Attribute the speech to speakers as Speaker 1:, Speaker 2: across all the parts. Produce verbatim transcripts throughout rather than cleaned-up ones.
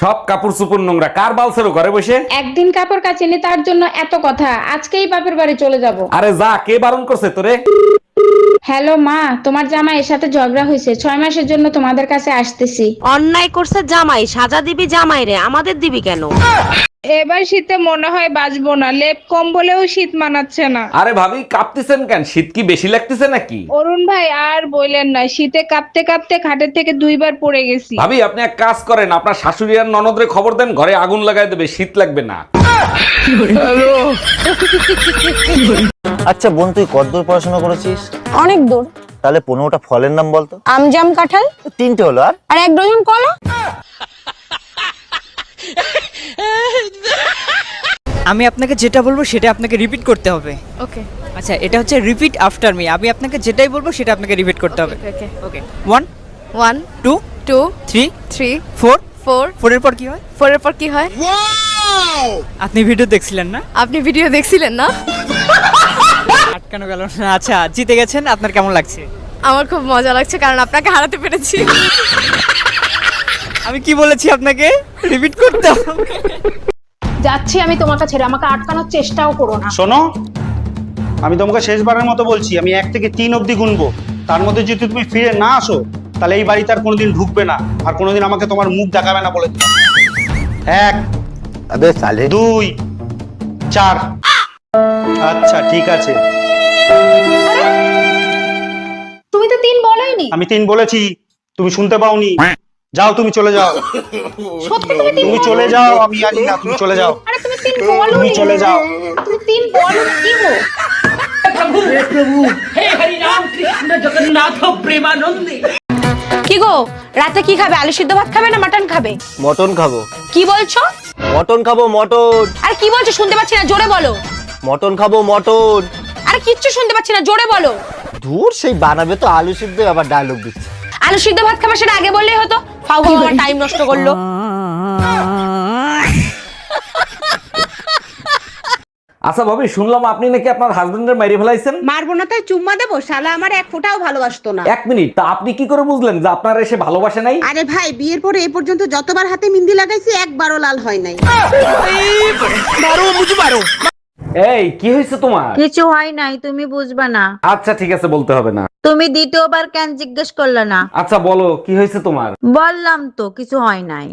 Speaker 1: সব কাপড় চোপড় নোংরা, কার বালছেরো ঘরে বসে?
Speaker 2: একদিন কাপড় কাচিনি তার জন্য এত কথা, আজকেই বাপের বাড়ি চলে যাব।
Speaker 1: আরে যা, কে বারণ করছে তোরে?
Speaker 2: হ্যালো মা, তোমার জামাইয়ের সাথে ঝগড়া হয়েছে, ছয় মাসের জন্য তোমাদের কাছে আসতেছি।
Speaker 3: অন্যায় করছে জামাই, সাজা দিবি জামাই রে, আমাদের দিবি কেন?
Speaker 4: এবার শীতে মনে হয় বাঁচবো না, লেপ কম্বলেও শীত মানাচ্ছে না।
Speaker 1: আরে ভাবি কাঁপতেছেন কেন? শীত কি বেশি লাগতেছে নাকি?
Speaker 4: অরুণ ভাই আর বললেন না, শীতে কাঁপতে কাঁপতে খাটের থেকে দুইবার পড়ে গেছি।
Speaker 1: ভাবি আপনি এক কাজ করেন, আপনার শাশুড়ি আর ননদরে খবর দেন, ঘরে আগুন লাগাই দেবে, শীত লাগবে না।
Speaker 5: আচ্ছা বোন, তুই কতদূর পড়াশোনা করেছিস?
Speaker 6: অনেক দূর।
Speaker 5: তাহলে পনেরোটা ফলের নাম বলতো।
Speaker 6: আম, জাম, কাঁঠাল,
Speaker 5: তিনটে হলো, আর
Speaker 6: আর এক ডজন কলা।
Speaker 7: আমি আপনাকে যেটা বলবো সেটা আপনাকে রিপিট করতে হবে।
Speaker 6: ওকে
Speaker 7: আচ্ছা, এটা হচ্ছে রিপিট আফটার মি। আমি আপনাকে যেটাই বলবো সেটা আপনাকে রিপিট করতে হবে।
Speaker 6: Okay
Speaker 7: okay, one
Speaker 6: one
Speaker 7: two
Speaker 6: two
Speaker 7: three
Speaker 6: three
Speaker 7: four.
Speaker 6: Four
Speaker 7: ফোরের পর কি হয়?
Speaker 6: ফোরের পর কি হয়?
Speaker 7: আপনি ভিডিও দেখছিলেন না?
Speaker 6: আপনি ভিডিও দেখছিলেন না?
Speaker 7: আটকানো গেল না। আচ্ছা, জিতে গেছেন, আপনার কেমন লাগছে?
Speaker 6: আমার খুব মজা লাগছে, কারণ আপনাকে হারাতে পেরেছি।
Speaker 7: আমি কি বলেছি আপনাকে? রিপিট করতে হবে।
Speaker 8: যাচ্ছি আমি তোমার কাছে, আমাকে আটকানোর চেষ্টাও করো না।
Speaker 9: শোনো, আমি তোমাকে শেষবারের মতো বলছি, আমি এক থেকে তিন অবধি গুনবো, তার মধ্যে যদি তুমি ফিরে না আসো তাহলে এই বাড়িতে আর কোনোদিন ঢুকবে না, আর কোনোদিন আমাকে তোমার মুখ দেখাবে না বলে দিলাম। এক,
Speaker 5: আবে সালে
Speaker 9: দুই, চার। আচ্ছা ঠিক আছে,
Speaker 8: তুমি তো তিন বলোইনি।
Speaker 9: আমি তিন বলেছি, তুমি শুনতে পাওনি। যাও, তুমি চলে যাও।
Speaker 8: সত্যি তুমি তিন
Speaker 9: তুমি
Speaker 8: বলো?
Speaker 9: চলে যাও, আমি জানি না, তুমি চলে যাও।
Speaker 8: আরে তুমি তিন বলোনি।
Speaker 9: তুমি চলে যাও।
Speaker 8: তুমি তিন বলো কি গো?
Speaker 3: কি গো, রাতে কি খাবে? আলু সিদ্ধ ভাত খাবে না মাটন খাবে?
Speaker 5: মটন খাবো।
Speaker 3: কি বলছো?
Speaker 5: মটন খাবো, মটন।
Speaker 3: আর কি বলছো শুনতে পাচ্ছি না, জোরে বলো।
Speaker 5: মটন খাবো, মটন।
Speaker 3: আর কিচ্ছু শুনতে পাচ্ছি না, জোরে বলো।
Speaker 5: ধুর, সেই বানাবে তো আলু সিদ্ধ, আবার ডায়লগ দিচ্ছে।
Speaker 3: আলু সিদ্ধ ভাত খাবে, সেটা আগে বললেই হতো। ফাউ ফাউ আমার টাইম নষ্ট করলো।
Speaker 1: আচ্ছা ভাবি, শুনলাম আপনি নাকি আপনার হাজবেন্ডের মেরে ফেলাইছেন।
Speaker 10: মারবো না তাই চুম্মা দেবো? শালা আমার এক ফোঁটাও ভালোবাসতো না।
Speaker 1: এক মিনিট, তা আপনি কি করে বুঝলেন যে আপনার এসে ভালোবাসে নাই?
Speaker 10: আরে ভাই, বিয়ের পরে এ পর্যন্ত যতবার হাতে মিন্দি লাগাইছি একবারও লাল হয় নাই।
Speaker 1: এই কি হয়েছে তোমার?
Speaker 11: কিছু হয় নাই, তুমি বুঝবা না।
Speaker 1: আচ্ছা ঠিক আছে, বলতে হবে না।
Speaker 11: তুমি দ্বিতীয়বার কেন জিজ্ঞেস করলে না?
Speaker 1: আচ্ছা বলো, কি হয়েছে তোমার?
Speaker 11: বললাম তো কিছু হয় নাই।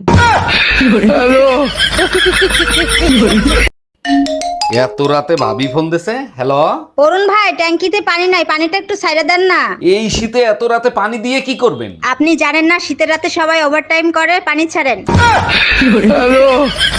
Speaker 1: এত রাতে ভাবি ফোন দিছে। হ্যালো
Speaker 8: অরুণ ভাই, ট্যাঙ্কিতে পানি নাই, পানিটা একটু সাইডে দেন না।
Speaker 1: এই শীতে এত রাতে পানি দিয়ে কি করবেন?
Speaker 8: আপনি জানেন না শীতের রাতে সবাই ওভারটাইম করে, পানি ছাড়েন।